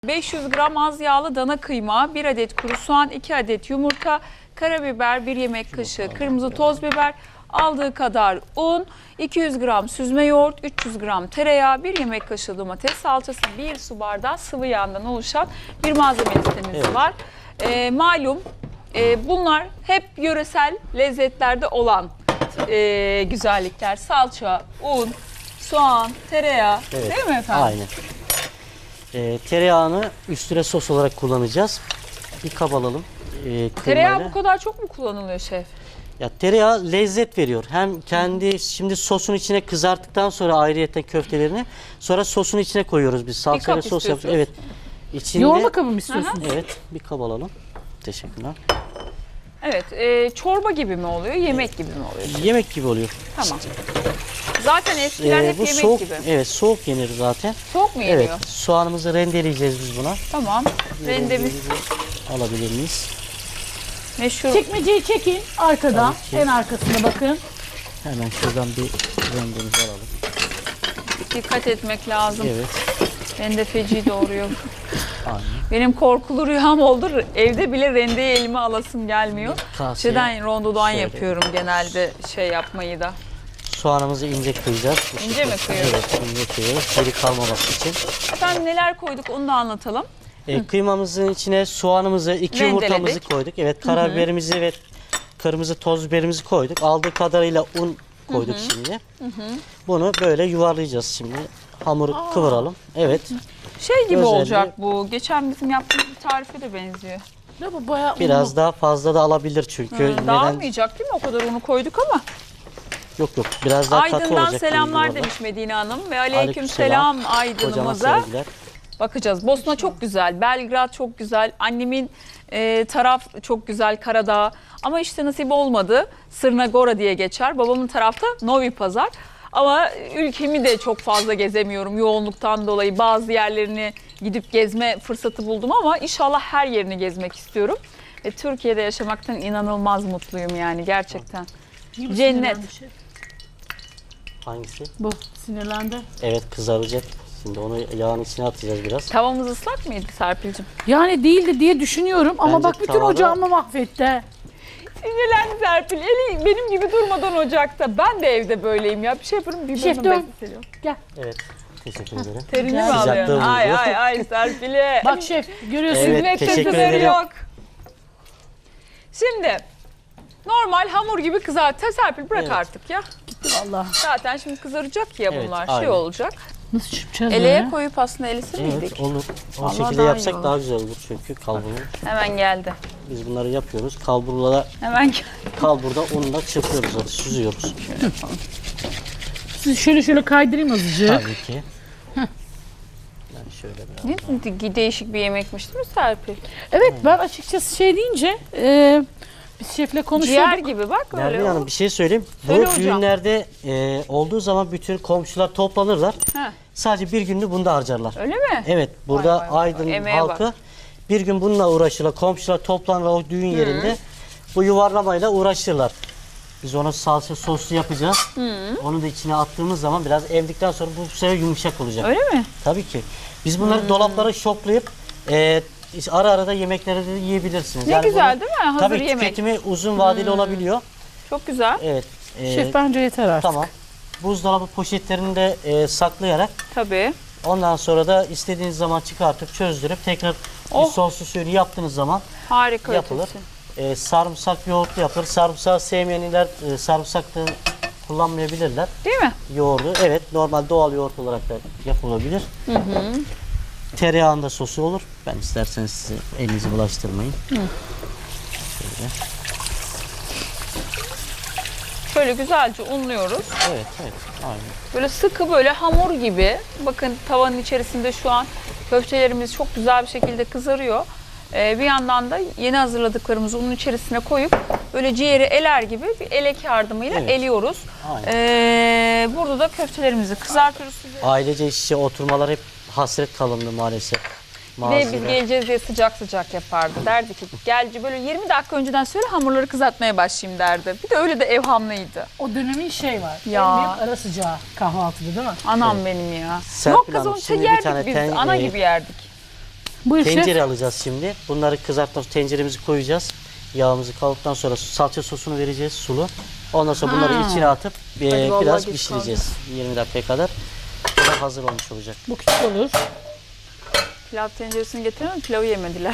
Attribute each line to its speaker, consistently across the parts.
Speaker 1: 500 gram az yağlı dana kıyma, 1 adet kuru soğan, 2 adet yumurta, karabiber, 1 yemek kaşığı kırmızı toz biber, aldığı kadar un, 200 gram süzme yoğurt, 300 gram tereyağı, 1 yemek kaşığı domates salçası, 1 su bardağı sıvı yağından oluşan bir malzeme listemiz var. Malum bunlar hep yöresel lezzetlerde olan güzellikler. Salça, un, soğan, tereyağı, değil mi efendim?
Speaker 2: Aynen. Tereyağını üstüne sos olarak kullanacağız. Bir kap alalım.
Speaker 1: Tereyağı bu kadar çok mu kullanılıyor şef?
Speaker 2: Ya tereyağı lezzet veriyor. Hem kendi şimdi sosun içine kızarttıktan sonra ayrıyeten köftelerini sonra sosun içine koyuyoruz biz. Salçayla sos yapıyoruz. Evet. İçinde,
Speaker 3: yoğurma kabı mı istiyorsunuz?
Speaker 2: Evet. Bir kap alalım. Teşekkürler.
Speaker 1: Evet. Çorba gibi mi oluyor? Yemek gibi mi oluyor?
Speaker 2: Yemek gibi oluyor.
Speaker 1: Tamam. Zaten eskiler hep
Speaker 2: bu
Speaker 1: yemek
Speaker 2: soğuk,
Speaker 1: gibi.
Speaker 2: Evet, soğuk yenir zaten.
Speaker 1: Soğuk mu yeniyor?
Speaker 2: Evet. Soğanımızı rendeleyeceğiz biz buna.
Speaker 1: Tamam. Rendemiz
Speaker 2: Alabilir miyiz?
Speaker 1: meşhur.
Speaker 3: Çekmeceyi çekin arkadan.
Speaker 2: Tabii ki.
Speaker 3: En arkasına bakın.
Speaker 2: Hemen şuradan bir rendemizi alalım.
Speaker 1: Dikkat etmek lazım.
Speaker 2: Evet.
Speaker 1: Rende feci doğuruyor.
Speaker 2: Aynen.
Speaker 1: Benim korkulu rüyam oldu. Evde bile rendeyi elime alasım gelmiyor.
Speaker 2: Kaseye
Speaker 1: Rondodan
Speaker 2: şöyle.
Speaker 1: yapıyorum genelde yapmayı da.
Speaker 2: Soğanımızı ince kıyacağız.
Speaker 1: İnce mi kıyıyoruz?
Speaker 2: Evet, ince kıyıyoruz. Geri kalmaması için.
Speaker 1: Efendim neler koyduk onu da anlatalım.
Speaker 2: Kıymamızın içine soğanımızı, 2
Speaker 1: Rendeledik.
Speaker 2: yumurtamızı koyduk. Evet, karabiberimizi ve kırmızı toz biberimizi koyduk. Aldığı kadarıyla un koyduk şimdi. Bunu böyle yuvarlayacağız şimdi. Hamuru kıvıralım. Evet.
Speaker 1: Şey gibi
Speaker 2: Özelliği-
Speaker 1: olacak bu. Geçen bizim yaptığımız bir tarife de benziyor.
Speaker 3: Ne bu bayağı
Speaker 2: Biraz
Speaker 3: unlu.
Speaker 2: daha fazla da alabilir çünkü.
Speaker 1: Dağılmayacak değil mi? O kadar unu koyduk ama.
Speaker 2: Yok. Biraz daha katı
Speaker 1: Aydın'dan
Speaker 2: olacak.
Speaker 1: selamlar
Speaker 2: bu
Speaker 1: demiş Medine Hanım ve
Speaker 2: Aleykümselam.
Speaker 1: aleykümselam
Speaker 2: Kocaman
Speaker 1: Aydın'ımıza.
Speaker 2: sevgiler.
Speaker 1: Bakacağız. Bosna çok güzel, Belgrad çok güzel, annemin taraf çok güzel, Karadağ. Ama işte nasip olmadı. Sırnagora diye geçer. Babamın tarafta Novi Pazar. Ama ülkemi de çok fazla gezemiyorum yoğunluktan dolayı. Bazı yerlerini gidip gezme fırsatı buldum ama inşallah her yerini gezmek istiyorum. Ve Türkiye'de yaşamaktan inanılmaz mutluyum yani gerçekten.
Speaker 3: Gibi
Speaker 1: Cennet.
Speaker 3: sinirlendi şey.
Speaker 2: Hangisi?
Speaker 3: Bu sinirlendi.
Speaker 2: Evet, kızaracak. Şimdi onu yağın içine atacağız biraz.
Speaker 1: Tavamız ıslak mıydı Serpil'cim?
Speaker 3: Yani değildi diye düşünüyorum ama
Speaker 2: Bence
Speaker 3: bak bütün
Speaker 2: tavada-
Speaker 3: ocağımı mahvetti.
Speaker 1: Sinirlendi Serpil. Eli benim gibi durmadan ocakta. Ben de evde böyleyim ya. Bir şey yaparım bir
Speaker 3: Şef
Speaker 1: burnum
Speaker 3: dön.
Speaker 1: beziliyor.
Speaker 3: Gel.
Speaker 2: Evet. Teşekkür ederim.
Speaker 1: Terini mi
Speaker 2: Sıcaklığı
Speaker 1: alıyorsun? Ay
Speaker 2: buluyor.
Speaker 1: ay ay Serpil'e.
Speaker 3: Bak şef görüyorsun.
Speaker 2: Evet,
Speaker 1: Hizmette
Speaker 2: teşekkür
Speaker 1: sınırı
Speaker 2: ederim.
Speaker 1: yok. Şimdi normal hamur gibi kızart. Serpil bırak
Speaker 2: Evet.
Speaker 1: artık ya.
Speaker 3: Gitti valla.
Speaker 1: Zaten şimdi kızaracak ya
Speaker 2: Evet,
Speaker 1: bunlar.
Speaker 2: aynen.
Speaker 1: Olacak.
Speaker 3: Nasıl çırpacağız
Speaker 1: Eleye
Speaker 3: böyle?
Speaker 1: koyup aslında elisi miydik?
Speaker 2: Evet, olur. O
Speaker 1: Vallahi
Speaker 2: şekilde
Speaker 1: daha iyi
Speaker 2: yapsak
Speaker 1: olur.
Speaker 2: daha güzel olur çünkü kalburu.
Speaker 1: Hemen geldi.
Speaker 2: Biz bunları yapıyoruz. Kalburla
Speaker 1: Hemen geldi.
Speaker 2: kalburda unla çırpıyoruz, hadi süzüyoruz.
Speaker 3: Siz şöyle kaydırayım azıcık.
Speaker 2: Tabii ki. Ben şöyle biraz.
Speaker 1: Ne değişik bir yemekmiş değil mi Serpil?
Speaker 3: Evet ben açıkçası şey deyince biz şefle konuşuyorduk.
Speaker 1: Ciğer gibi bak öyle.
Speaker 2: Nermin Hanım bir şey söyleyeyim.
Speaker 1: Söyle
Speaker 2: Bu
Speaker 1: hocam.
Speaker 2: düğünlerde olduğu zaman bütün komşular toplanırlar.
Speaker 1: Ha,
Speaker 2: Sadece bir gününü bunda harcarlar.
Speaker 1: öyle mi?
Speaker 2: Evet, burada
Speaker 1: Vay vay vay.
Speaker 2: Aydın
Speaker 1: Emeğe
Speaker 2: halkı bir gün bununla uğraşırlar. Komşular toplanırlar o düğün yerinde. Bu yuvarlamayla uğraşırlar. Biz onu salça soslu yapacağız. Onu da içine attığımız zaman biraz emdikten sonra bu sefer yumuşak olacak.
Speaker 1: Öyle mi?
Speaker 2: Tabii ki. Biz bunları dolaplara şoklayıp ara ara da yemeklere de yiyebilirsiniz.
Speaker 1: Ne güzel
Speaker 2: bunu-
Speaker 1: değil mi? Hazır
Speaker 2: Tabii
Speaker 1: yemek.
Speaker 2: tüketimi uzun vadeli olabiliyor.
Speaker 1: Çok güzel.
Speaker 2: Evet.
Speaker 3: Şef bence yeter artık.
Speaker 2: Tamam. Buzdolabı poşetlerinde saklayarak
Speaker 1: Tabii.
Speaker 2: ondan sonra da istediğiniz zaman çıkartıp çözdürüp tekrar
Speaker 1: Oh.
Speaker 2: bir soslu suyunu yaptığınız zaman
Speaker 1: Harika.
Speaker 2: yapılır.
Speaker 1: ötesi.
Speaker 2: Sarımsak yoğurtlu yapılır. Sarımsağı sevmeyenler sarımsak da kullanmayabilirler.
Speaker 1: Değil mi?
Speaker 2: Yoğurdu. Evet, normal doğal yoğurt olarak da yapılabilir. Tereyağında sosu olur. Ben isterseniz size elinizi bulaştırmayın. Şöyle.
Speaker 1: Şöyle güzelce unluyoruz.
Speaker 2: Evet, aynen.
Speaker 1: Böyle sıkı böyle hamur gibi. Bakın tavanın içerisinde şu an köftelerimiz çok güzel bir şekilde kızarıyor. Bir yandan da yeni hazırladıklarımızı unun içerisine koyup böyle ciğeri eler gibi bir elek yardımıyla
Speaker 2: Evet.
Speaker 1: eliyoruz.
Speaker 2: Aynen.
Speaker 1: Burada da köftelerimizi kızartıyoruz.
Speaker 2: Ailece iç içe oturmalar hep hasret kalındı maalesef.
Speaker 1: Ve biz geleceğiz diye sıcak sıcak yapardı. Derdi ki gel böyle 20 dakika önceden söyle hamurları kızartmaya başlayayım derdi. Bir de öyle de evhamlıydı.
Speaker 3: O dönemin şey var.
Speaker 1: Ya.
Speaker 3: En büyük ara sıcağı kahvaltıda değil mi?
Speaker 1: Anam benim ya.
Speaker 2: Serpil
Speaker 1: Yok kız
Speaker 2: Hanım,
Speaker 1: onu
Speaker 2: şimdi bir
Speaker 1: yerdik
Speaker 2: tane
Speaker 1: biz. Ana gibi yerdik.
Speaker 3: Buyur şef.
Speaker 2: Tencere alacağız şimdi. Bunları kızartmak tenceremizi koyacağız. Yağımızı kavurduktan sonra salça sosunu vereceğiz sulu. Ondan sonra bunları içine atıp
Speaker 1: vallahi
Speaker 2: biraz
Speaker 1: geç
Speaker 2: pişireceğiz. 20 dakika kadar. Bu da hazır olmuş olacak.
Speaker 3: Bu küçük olur.
Speaker 1: Pilav tenceresini getirelim mi? Pilavı yemediler.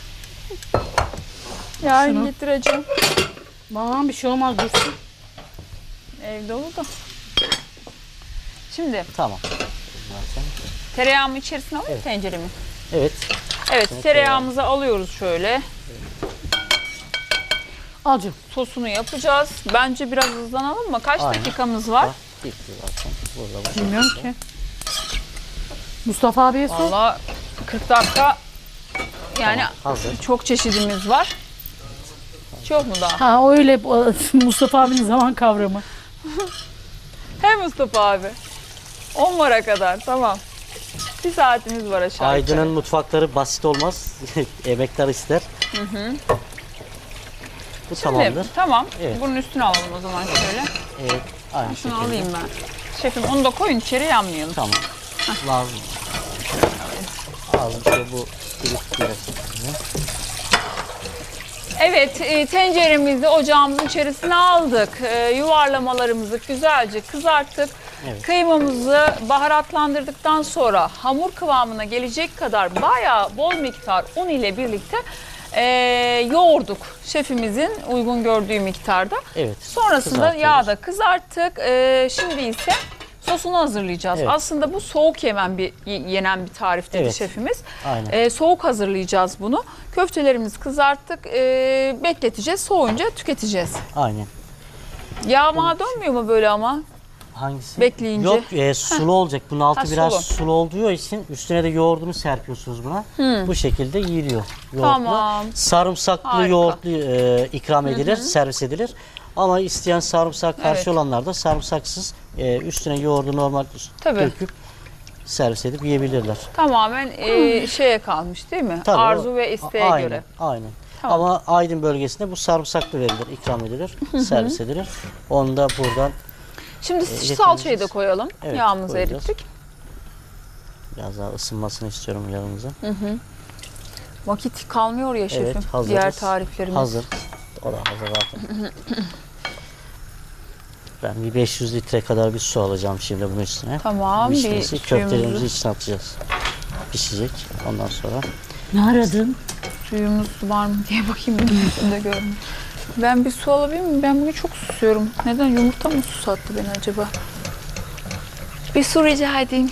Speaker 1: Yarın
Speaker 3: Şunu.
Speaker 1: getireceğim.
Speaker 3: Bana bir şey olmaz dursun.
Speaker 1: Evde olur da. Şimdi
Speaker 2: Tamam.
Speaker 1: tereyağımı içerisine alayım tenceremi.
Speaker 2: Evet.
Speaker 1: Evet, tereyağımızı alıyoruz şöyle.
Speaker 3: Al canım.
Speaker 1: Sosunu yapacağız. Bence biraz hızlanalım mı? Kaç
Speaker 2: Aynen.
Speaker 1: dakikamız var?
Speaker 2: Bak, bitti zaten. Burada var.
Speaker 3: Bilmiyorum ki. Mustafa abiye sor.
Speaker 1: Valla 40 dakika yani
Speaker 2: Tamam, hazır.
Speaker 1: çok çeşidimiz var. Çok mu daha?
Speaker 3: Ha öyle Mustafa abinin zaman kavramı.
Speaker 1: He Mustafa abi. 10 vara kadar tamam. Bir saatimiz var aşağı
Speaker 2: Aydın'ın
Speaker 1: yukarı.
Speaker 2: mutfakları basit olmaz. Emekler ister. Bu
Speaker 1: Şimdi,
Speaker 2: tamamdır.
Speaker 1: tamam.
Speaker 2: Evet.
Speaker 1: Bunun üstüne alalım o zaman şöyle.
Speaker 2: Evet. Aynı
Speaker 1: Şunu
Speaker 2: şekilde.
Speaker 1: alayım ben. Şefim onu da koyun içeri yanmayalım.
Speaker 2: Tamam. Lazım. Lazım şey bu. Biraz.
Speaker 1: Evet, tenceremizi ocağımızın içerisine aldık. Yuvarlamalarımızı güzelce kızarttık.
Speaker 2: Evet.
Speaker 1: Kıymamızı baharatlandırdıktan sonra hamur kıvamına gelecek kadar bayağı bol miktar un ile birlikte yoğurduk. Şefimizin uygun gördüğü miktarda.
Speaker 2: Evet.
Speaker 1: Sonrasında
Speaker 2: kızartıyoruz.
Speaker 1: yağda kızarttık. Şimdi ise sosunu hazırlayacağız.
Speaker 2: Evet.
Speaker 1: Aslında bu soğuk yenen bir tarif dedi
Speaker 2: Evet.
Speaker 1: şefimiz.
Speaker 2: Aynen.
Speaker 1: Soğuk hazırlayacağız bunu. Köftelerimizi kızarttık. Bekleteceğiz. Soğuyunca tüketeceğiz.
Speaker 2: Aynen.
Speaker 1: Yağma dönmüyor mu böyle ama?
Speaker 2: Hangisi?
Speaker 1: Bekleyince.
Speaker 2: Yok sulu olacak. Bunun altı
Speaker 1: Ha,
Speaker 2: biraz
Speaker 1: sulu.
Speaker 2: sulu olduğu için üstüne de yoğurdunu serpiyorsunuz buna. Bu şekilde yiyiliyor. Yoğurtlu.
Speaker 1: Tamam.
Speaker 2: Sarımsaklı
Speaker 1: Harika.
Speaker 2: yoğurtlu ikram edilir, servis edilir. Ama isteyen sarımsak karşı
Speaker 1: Evet.
Speaker 2: olanlar da sarımsaksız üstüne yoğurdu normal
Speaker 1: Tabii.
Speaker 2: döküp servis edip yiyebilirler.
Speaker 1: Tamamen şeye kalmış değil mi?
Speaker 2: Tabii,
Speaker 1: Arzu ve isteğe
Speaker 2: aynen,
Speaker 1: göre.
Speaker 2: Aynen.
Speaker 1: Tamam.
Speaker 2: Ama Aydın bölgesinde bu sarımsaklı verilir, ikram edilir, servis edilir. Onu da buradan
Speaker 1: Şimdi
Speaker 2: getireceğiz.
Speaker 1: salçayı da koyalım.
Speaker 2: Evet,
Speaker 1: Yağımızı
Speaker 2: koyacağız.
Speaker 1: erittik.
Speaker 2: biraz daha ısınmasını istiyorum yağımızın.
Speaker 1: Vakit kalmıyor ya şefim.
Speaker 2: Evet, hazırız.
Speaker 1: Diğer tariflerimiz.
Speaker 2: Hazır. O da hazır zaten. Ben bir 500 litre kadar bir su alacağım şimdi bunun üstüne.
Speaker 1: Tamam. Bir
Speaker 2: Pişmesi, köftelerimizi
Speaker 1: suyumuzu,
Speaker 2: içine atacağız. Pişecek. Ondan sonra
Speaker 3: Ne aradın?
Speaker 1: suyumuz var mı diye bakayım. Üstünde görmüyorum. Ben bir su alabilir miyim? Ben bugün çok susuyorum. Neden? Yumurta mı susattı beni acaba? Bir su rica edeyim.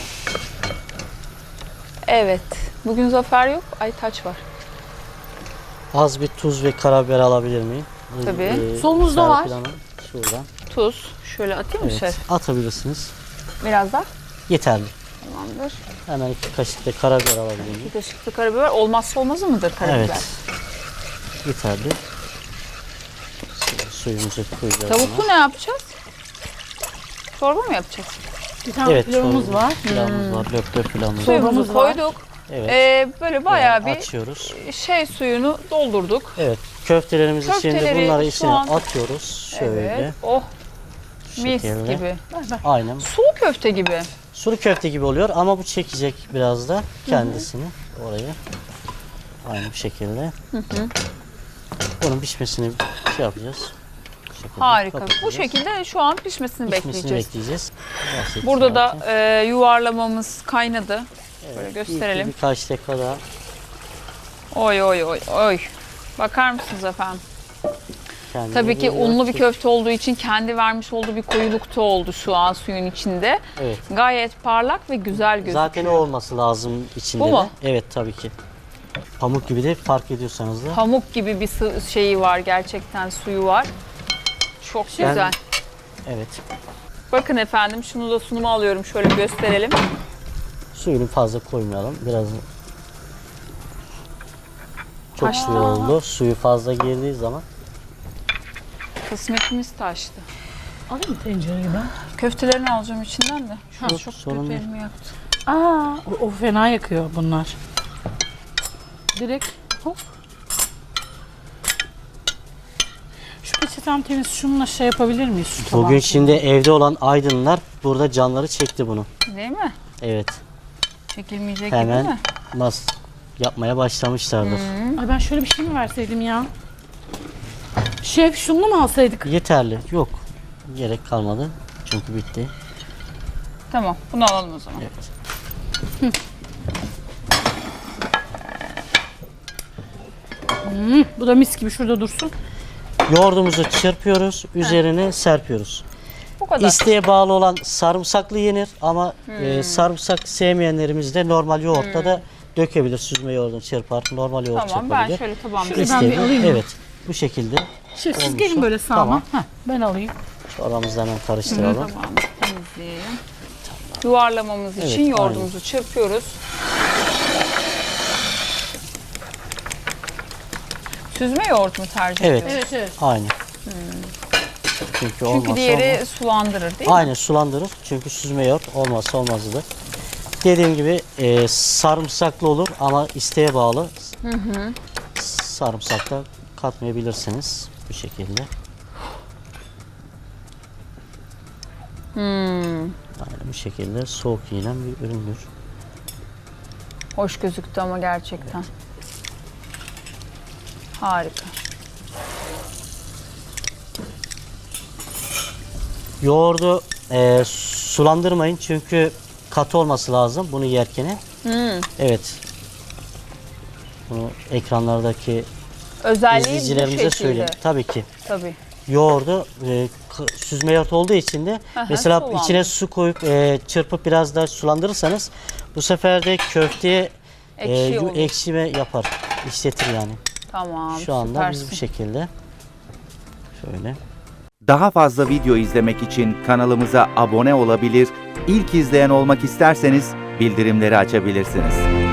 Speaker 1: Evet. Bugün Zafer yok. Aytaç var.
Speaker 2: az bir tuz ve karabiber alabilir miyim?
Speaker 1: Tabii.
Speaker 3: Solumuzda var.
Speaker 2: Serpil Hanım, şuradan.
Speaker 1: Tuz. Şöyle atayım mı
Speaker 2: Evet,
Speaker 1: şef?
Speaker 2: atabilirsiniz.
Speaker 1: Biraz daha.
Speaker 2: Yeterli.
Speaker 1: Tamamdır.
Speaker 2: Hemen 2 kaşık da karabiber alabilir miyim?
Speaker 1: Bir kaşık da karabiber. Olmazsa olmazı mıdır karabiber?
Speaker 2: Evet. Yeterli. Şimdi suyumuzu koyacağız.
Speaker 1: Tavuklu ne yapacağız? Çorba mı yapacağız?
Speaker 3: Bir tane
Speaker 2: Evet,
Speaker 3: pilavımız
Speaker 2: çorba.
Speaker 3: var.
Speaker 2: Pilavımız var, löp löp pilavımız var.
Speaker 1: Suyumuzu
Speaker 3: Çorbamız var.
Speaker 1: koyduk.
Speaker 2: Evet.
Speaker 1: Böyle bayağı bir
Speaker 2: açıyoruz.
Speaker 1: suyunu doldurduk.
Speaker 2: Evet. Köftelerimizi şimdi
Speaker 1: Köfteleri
Speaker 2: bunları
Speaker 1: şu
Speaker 2: içine
Speaker 1: an-
Speaker 2: atıyoruz. Şöyle.
Speaker 1: Evet. Oh,
Speaker 2: şu
Speaker 1: mis
Speaker 2: şekilde.
Speaker 1: gibi.
Speaker 2: Aynen.
Speaker 1: Sulu köfte gibi.
Speaker 2: Sulu köfte gibi oluyor ama bu çekecek biraz da kendisini oraya. Aynı bu şekilde. Bunun pişmesini şey yapacağız. Bu şekilde
Speaker 1: Harika. Bu
Speaker 2: kapatacağız.
Speaker 1: şekilde şu an pişmesini
Speaker 2: Pişmesini
Speaker 1: bekleyeceğiz.
Speaker 2: bekleyeceğiz. Bahsettim
Speaker 1: Burada da
Speaker 2: zaten.
Speaker 1: yuvarlamamız kaynadı. Böyle
Speaker 2: İlk
Speaker 1: gösterelim.
Speaker 2: birkaç dakika daha.
Speaker 1: Oy oy oy oy. Bakar mısınız efendim?
Speaker 2: kendini
Speaker 1: Tabii ki
Speaker 2: veriyor.
Speaker 1: unlu bir köfte olduğu için kendi vermiş olduğu bir koyulukta oldu şu an suyun içinde.
Speaker 2: Evet.
Speaker 1: Gayet parlak ve güzel gözüküyor.
Speaker 2: Zaten o olması lazım içinde
Speaker 1: Bu
Speaker 2: de.
Speaker 1: mu?
Speaker 2: Evet tabii ki. Pamuk gibi de fark ediyorsanız da.
Speaker 1: Pamuk gibi bir şeyi var gerçekten, suyu var. Çok
Speaker 2: Ben-
Speaker 1: güzel.
Speaker 2: Evet.
Speaker 1: Bakın efendim, şunu da sunuma alıyorum, şöyle gösterelim.
Speaker 2: Suyunu fazla koymayalım. Biraz çok
Speaker 1: Taştı.
Speaker 2: suyu oldu. Suyu fazla girdiği zaman
Speaker 1: Kısmetimiz taştı.
Speaker 3: Alayım mı tencereyi ben?
Speaker 1: Köftelerini alacağım içinden de. Şu an
Speaker 2: Yok,
Speaker 1: çok
Speaker 2: sorun
Speaker 1: kötü
Speaker 2: değil.
Speaker 1: elimi yaktı.
Speaker 3: Aa, o fena yakıyor bunlar. Direkt hop. Şu peçetem temiz, şununla şey yapabilir miyiz? Şu
Speaker 2: bugün
Speaker 3: tabağı?
Speaker 2: şimdi evde olan aydınlar burada canları çekti bunu.
Speaker 1: Değil mi?
Speaker 2: Evet.
Speaker 1: Çekilmeyecek gibi
Speaker 2: Hemen
Speaker 1: mi?
Speaker 2: nasıl yapmaya başlamışlardır.
Speaker 3: Ay ben şöyle bir şey mi verseydim ya? Şef şunu mu alsaydık?
Speaker 2: Yeterli. Yok. Gerek kalmadı. Çünkü bitti.
Speaker 1: Tamam, bunu alalım o zaman.
Speaker 2: Evet.
Speaker 3: Bu da mis gibi şurada dursun.
Speaker 2: Yoğurdumuzu çırpıyoruz. Üzerine serpiyoruz.
Speaker 1: Bu kadar.
Speaker 2: İsteğe bağlı olan sarımsaklı yenir ama sarımsak sevmeyenlerimiz de normal yoğurtta da dökebilir. Süzme yoğurdunu çırpar. Normal yoğurt
Speaker 1: Tamam,
Speaker 2: çırpabilir.
Speaker 1: ben şöyle tabağımda
Speaker 3: Şöyle ben bir
Speaker 2: İsteğe-
Speaker 3: alayım mı?
Speaker 2: Evet. Bu şekilde
Speaker 3: Şef siz
Speaker 2: olmuşsa-
Speaker 3: gelin böyle sağıma.
Speaker 2: Tamam.
Speaker 3: Heh, ben alayım.
Speaker 2: Çorbamızı hemen karıştıralım.
Speaker 1: tabağımızı temizleyelim. Yuvarlamamız
Speaker 2: Evet,
Speaker 1: için yoğurdumuzu çırpıyoruz. Süzme yoğurt mu tercih
Speaker 2: Evet.
Speaker 1: ediyoruz?
Speaker 3: Evet.
Speaker 2: Aynı. Çünkü olmazsa
Speaker 1: Çünkü diğeri
Speaker 2: olmaz.
Speaker 1: sulandırır değil mi?
Speaker 2: Aynı sulandırır. Çünkü süzme yoğurt olmazsa olmazıdır. Dediğim gibi sarımsaklı olur ama isteğe bağlı. Sarımsak da katmayabilirsiniz bu şekilde. Yani bu şekilde soğuk yenen bir üründür.
Speaker 1: Hoş gözüktü ama gerçekten. Harika.
Speaker 2: Yoğurdu sulandırmayın çünkü katı olması lazım bunu yerken. Evet. Bunu ekranlardaki
Speaker 1: Özelliği bu
Speaker 2: izleyicilerimize
Speaker 1: şekilde.
Speaker 2: söyleyeyim. Tabii ki.
Speaker 1: Tabii.
Speaker 2: Yoğurdu süzme yoğurt olduğu için de mesela
Speaker 1: sulandır.
Speaker 2: içine su koyup çırpıp biraz daha sulandırırsanız bu sefer de köfteye
Speaker 1: Ekşi olur.
Speaker 2: ekşime yapar. İşletir yani.
Speaker 1: Tamam,
Speaker 2: Şu anda
Speaker 1: süpersin.
Speaker 2: biz bu şekilde şöyle.
Speaker 4: Daha fazla video izlemek için kanalımıza abone olabilir, ilk izleyen olmak isterseniz bildirimleri açabilirsiniz.